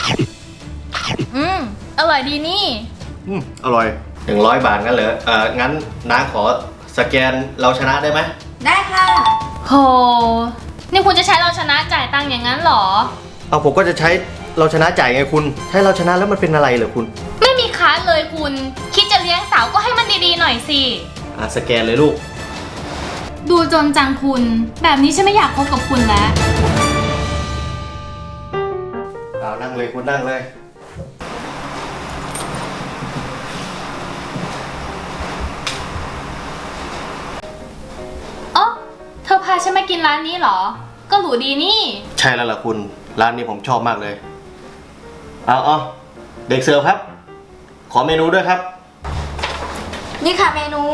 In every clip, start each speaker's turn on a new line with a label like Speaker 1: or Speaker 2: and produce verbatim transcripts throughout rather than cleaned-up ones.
Speaker 1: อืมอร่อยดีนี่
Speaker 2: อืมอร่อยหนึ่งร้อยบาทงั้นเหรอเอองั้นน้าขอสแกนเราชนะได้ไหม
Speaker 3: ได้ค่ะ
Speaker 1: โหนี่คุณจะใช้เราชนะจ่ายตังค์อย่างนั้นหรอ
Speaker 2: เอาผมก็จะใช้เราชนะจ่ายไงคุณใช้เราชนะแล้วมันเป็นอะไรเหรอคุณ
Speaker 1: ไม่มีค้านเลยคุณคิดจะเลี้ยงสาวก็ให้มันดีๆหน่อยสิ
Speaker 2: อ่ะสแกนเลยลูก
Speaker 1: ดูจนจังคุณแบบนี้ฉันไม่อยากคบกับคุณแล้ว
Speaker 2: เอานั่งเลยคุณนั่งเลย
Speaker 1: อ๋อเธอพาฉันมากินร้านนี้เหรอก็หรูดีนี่
Speaker 2: ใช่แล้วล่ะคุณร้านนี้ผมชอบมากเลยเอาเอาเด็กเสิร์ฟครับขอเมนูด้วยครับ
Speaker 3: นี่ค่ะเมนู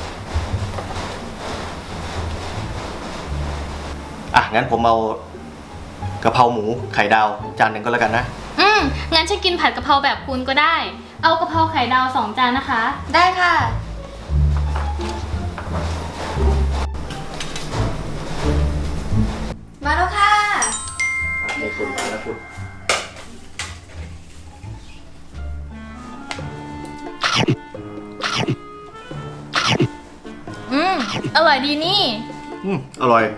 Speaker 2: อ่ะงั้นผมเอากะเพราหมูไข่ดาวจานหนึ่งก็แล้วกันนะ
Speaker 1: อืมงั้นฉันกินผัดกะเพราแบบคุณก็ได้เอากะเพราไข่ดาวสองจานนะคะ
Speaker 3: ได้ค่ะมาแล้วค่ะ
Speaker 2: นี่คุณมาแล้วคุณ
Speaker 1: อืมอร่อยดีนี่
Speaker 2: อืมอร่อย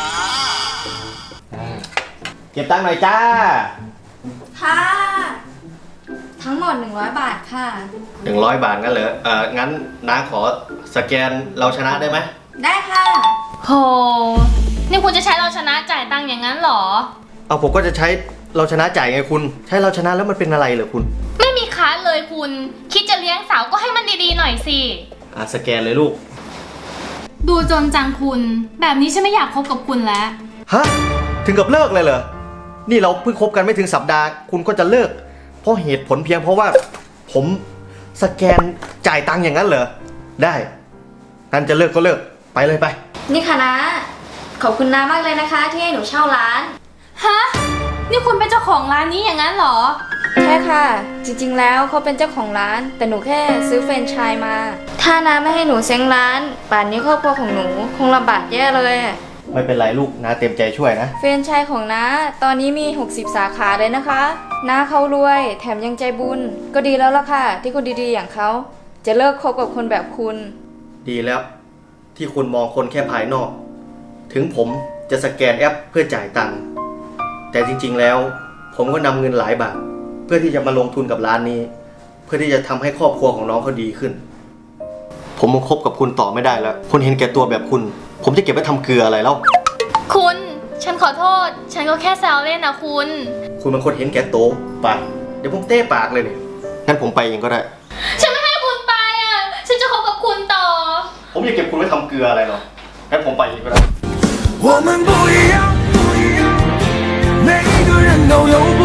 Speaker 2: เก็บตังค์หน่อยจ้า
Speaker 3: ค่ะทั้งหมดหนึ่งร้อยบาทค่ะ
Speaker 2: หนึ่งร้อยบาทงั้นเหรอเอองั้นน้าขอสแกนเราชนะได้ไหม
Speaker 3: ได้ค่ะ
Speaker 1: โหนี่คุณจะใช้เราชนะจ่ายตังค์อย่างนั้นหรอ
Speaker 2: เอาผมก็จะใช้เราชนะจ่ายไงคุณใช้เราชนะแล้วมันเป็นอะไรเหรอคุณ
Speaker 1: ไม่มีค้านเลยคุณคิดจะเลี้ยงสาวก็ให้มันดีๆหน่อยสิ
Speaker 2: อ่ะสแกนเลยลูก
Speaker 1: ดูจนจังคุณแบบนี้ฉันไม่อยากคบกับคุณแล้ว
Speaker 2: ฮะถึงกับเลิกเลยเหรอนี่เราเพิ่งคบกันไม่ถึงสัปดาห์คุณก็จะเลิกเพราะเหตุผลเพียงเพราะว่าผมสแกนจ่ายตังค์อย่างนั้นเหรอได้งั้นจะเลิกก็เลิกไปเลยไป
Speaker 3: นี่ค่ะนะขอบคุณน้ามากเลยนะคะที่ให้หนูเช่าร้าน
Speaker 1: ฮะนี่คุณเป็นเจ้าของร้านนี้อย่างนั้นเหรอ
Speaker 3: ใช่ค่ะจริงๆแล้วเขาเป็นเจ้าของร้านแต่หนูแค่ซื้อแฟรนไชส์มาถ้าน้าไม่ให้หนูเซ้งร้านป่านนี้ครอบครัวของหนูคงลำบากแย่เลย
Speaker 2: ไม่เป็นไรลูกน้าเต็มใจช่วยนะ
Speaker 3: แฟรนไชส์ของน้าตอนนี้มีหกสิบสาขาเลยนะคะน้าเขารวยแถมยังใจบุญก็ดีแล้วล่ะค่ะที่คนดีๆอย่างเขาจะเลิกคบกับคนแบบคุณ
Speaker 2: ดีแล้วที่คุณมองคนแค่ภายนอกถึงผมจะสแกนแอปเพื่อจ่ายตังค์แต่จริงๆแล้วผมก็นำเงินหลายบาทเพื่อที่จะมาลงทุนกับร้านนี้เพื่อที่จะทำให้ครอบครัวของน้องเขาดีขึ้นผมมาคบกับคุณต่อไม่ได้แล้วคนเห็นแก่ตัวแบบคุณผมจะเก็บไว้ทำเกลืออะไรแล้ว
Speaker 1: คุณฉันขอโทษฉันก็แค่แซวเล่นนะคุณ
Speaker 2: คุณเป็นคนเห็นแก่ตัวไปเดี๋ยวผมเต้ปากเลยเนี่ยงั้นผมไปเองก็ได้
Speaker 1: ฉันไม่ให้คุณไปอ่ะฉันจะคบกับคุณต่อ
Speaker 2: ผมจะเก็บคุณไว้ทำเกลืออะไรหรองั้นผมไปเองก็ได้
Speaker 4: 我们不一样，每一个人都有不